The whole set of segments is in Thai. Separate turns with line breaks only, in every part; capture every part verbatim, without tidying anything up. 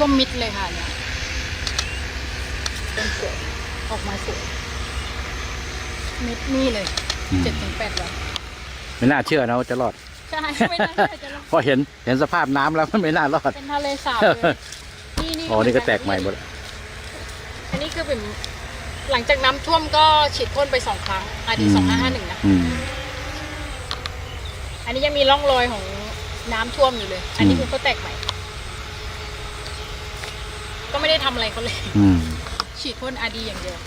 ท่วมมิดเลยค่ะเนี่ยเป็นสวยออกมาสวยมิดนี่เลยเจ็ดถึงแปดวัน
ไม่น่าเชื่อนะว่าจะรอด
ใช่ไม่น่าเชื่อจะรอด
พอเห็นเห็นสภาพน้ำแล้วมันไม่น่ารอด
เป็นทะเลสาบเลยนี่นี่
อ๋อนี่ก็แตกใหม่หมด
อันนี้คือเป็นหลังจากน้ำท่วมก็ฉีดพ่นไปสองครั้งอาดีสองห้าห้าหนึ่งนะอันนี้ยังมีร่องรอยของน้ำท่วมอยู่เลยอันนี้คือเขาแตกใหม่ก็ไม่ได้ทำอะไรเขาเลยฉีดพ่นอาดีอย่างเดียว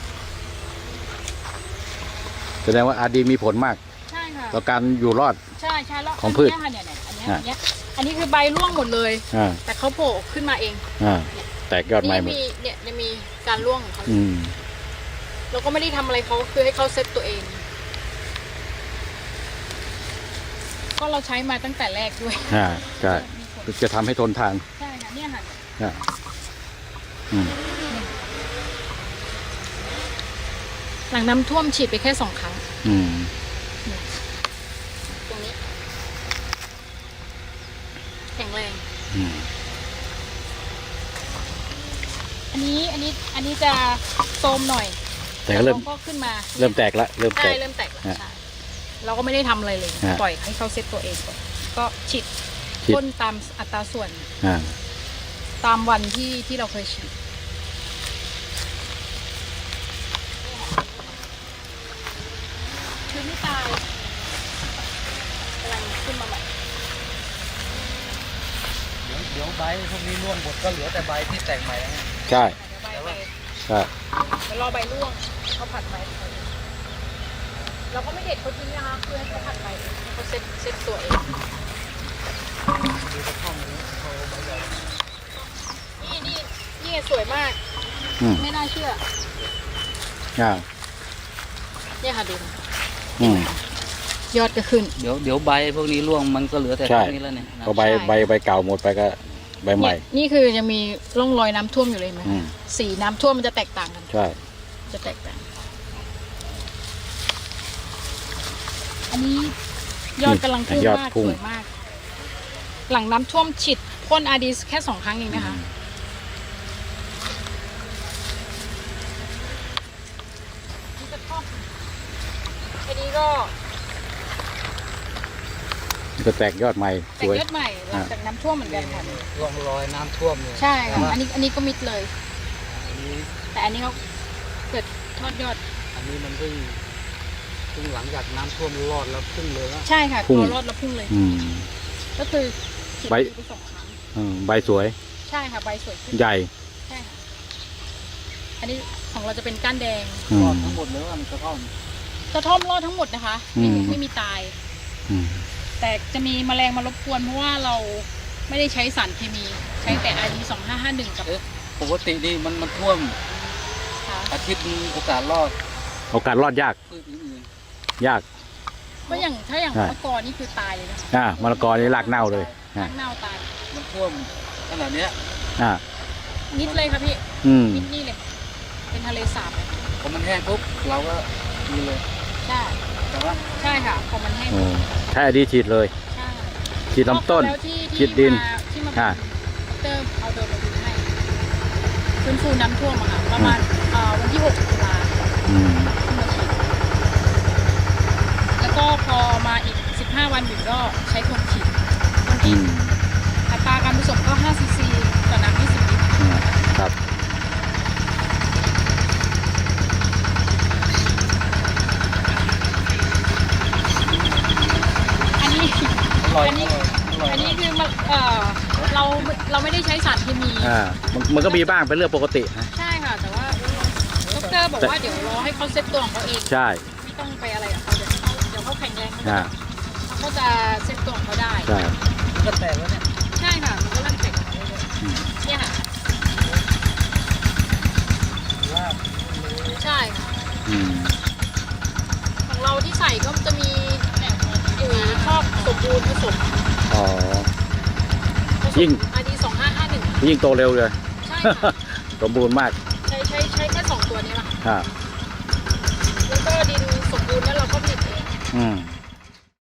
แสดงว่าอาดีมีผลมาก
ใช่ค่ะ
ต่อการอยู่รอด
ใช่ใช่
ของพืช
อันนี้อันนี้อันนี้อันนี้คือใบร่วงหมดเลยแต่เขาโผล่ขึ้นมาเอง
แตกยอดใหม่หมด
เนี่ยจะมีการร่วงของเขาเราก็ไม่ได้ทำอะไรเขาคือให้เขาเซตตัวเองก็เราใช้มาตั้งแต่แรกด้วย
อ่าใช่จะทำให้ทนทาน
ใช่ค่ะเนี่ย
ค่ะ
หลังน้ำท่วมฉีดไปแค่สองครั้งตรงนี้แข็งแรงอันนี้อันนี้อันนี้จะโทรมหน่อย
แต่ก็เริ่ม
ก็ขึ้นมา
เริ่มแตกละเริ่มแตก
เริ่มแตกแล้วใช่เราก็ไม่ได้ทำอะไรเลยปล่อยให้เขาเซตตัวเองก่อนก็ฉีดพ่นตามอัตราส่วนตามวันที่ที่เราเคยฉีดคือไม่ตายกำลังขึ้นมาใหม่
เดี๋ยวเดี๋ยวใบพวกนี้ร่วงหมดก็เหลือแต่ใบที่แตกใหม่แล้ว
ใช่ใช่
เดี๋ยวรอใบร่วงเขาผัดใบเราก็ไม่เด็ดเขาทิ้งนะคะเพื่อให้เขาผัดใบเขาเซ็ตเซ็ตตัวเองนี่นี่นี่สวยมากไม่น่าเชื่อเนี่ยค่ะดูยอดก็ขึ้น
เดี๋ยวเดี๋ยวใบพวกนี้ร่วงมันก็เหลือแต่พวกนี้แล้วเนี่ย
พอใบใบใบเก่าหมดไปก็ใบใหม่
นี่คือยังมีร่องรอยน้ำท่วมอยู่เลยไหมสีน้ำท่วมมันจะแตกต่างกัน
ใช่
จะแตกต่างอันนี้ยอดกำลังพุ่งมากสวยมากหลังน้ำท่วมฉีดพ่นอาดีแค่สองครั้งเองนะคะนี่จะทอดอันนี้ก็
จะแตกยอดใหม่
แตกยอดใหม่หลังจากน้ำท่วมเหมือนกันค่ะ
ร่องรอยน้ำท่วมเลย
ใช่ค่ะอันนี้อันนี้ก็มิดเลยแต่อันนี้เขาเกิดทอดยอด
อันนี้มันเพิ่งเพิ่งหลังจากน้ำท่วมรอดแล้วพุ่งเลยแล้ว
ใช่ค่ะพอรอดแล้วพุ่งเลยก็คือ
ใบ
สองครั้ง
ใบสวย
ใช่ค่ะใบสวย
ใหญ่
ใช่ค่ะอันนี้ของเราจะเป็นก้านแดง
รอดทั้งหมดเลยว่ามันกระท่อม
กระท่อมรอดทั้งหมดนะคะไม่ไม่มีตายแต่จะมีแมลงมารบกวนเพราะว่าเราไม่ได้ใช้สารเคมีใช้แต่ อาร์ ดี สองห้าห้าหนึ่งกับ
ปกตินี่มันมันท่วมอาทิตย์มีโอกาสรอด
โอกาสรอดยากยาก
ก็อย่างถ้าอย่างมะละกอนี่คือตายเลยนะ
อ่ามะละกอนี่รากเน่าเลย
รากเน่าตาย
มันท่วมขนาดนี้
อ่า
นิดเลยครับพี่นิดนี่เลยเป็นทะเลสาบเลย
พอมันแห้งปุ๊บเราก็มีเลย
ใช่
แต่ว่า
ใช่ค่ะพอมันแห้ง
ใช่ดีฉีดเลยฉีดลำต้นฉีดดิน
ค่ะเติมเอาโดนมาดูให้ฟื้นฟูน้ำท่วมอะค่ะประมาณวันที่หกตุลาแล้วก็พอมาอีกสิบห้าวันอยู่ก็ใช้คนฉีดคนฉีดอัตราการผสมก็ห้าซีซีต่อน้ำยี่สิบลิตร
ครับ
อันนี้อันนี้อันนี้คือมันเออเราเราไม่ได้ใช้สารเคมี
อ่ามันก็มีบ้างเป็นเรื่องปกตินะ
ใช่ค่ะแต่ว่าดร.บอกว่าเดี๋ยวรอให้เขาเซ็ตตัวของเขาเอง
ใช่
ไม่ต้องไปอะไรกับเขาเดี๋ยวเขาเดี๋ยวเขาแข็งแรงเขาจะเซ็ตตัวของเขาได้
ใช่
ก็แตกแล้วเนี่ย
ใช่ค่ะมันก็เริ่มแตกเนี่ยค่ะใช่ค่ะของเราที่ใส่ก็จะมีปุ๋ยครอบสมบูรณ์ผสม
อ๋อยิ่ง
อาร์ ดี สองห้าห้าหนึ่ง
ยิ่งโตเร็วเลย
ใช่ค่ะ
สมบูรณ์มาก
ใช้ใช้ใช้แค่สองตัวนี้แหละ
ครับ
แล้วก็ดินสมบูรณ์แล้วเราก็ผลิตเอง
อืม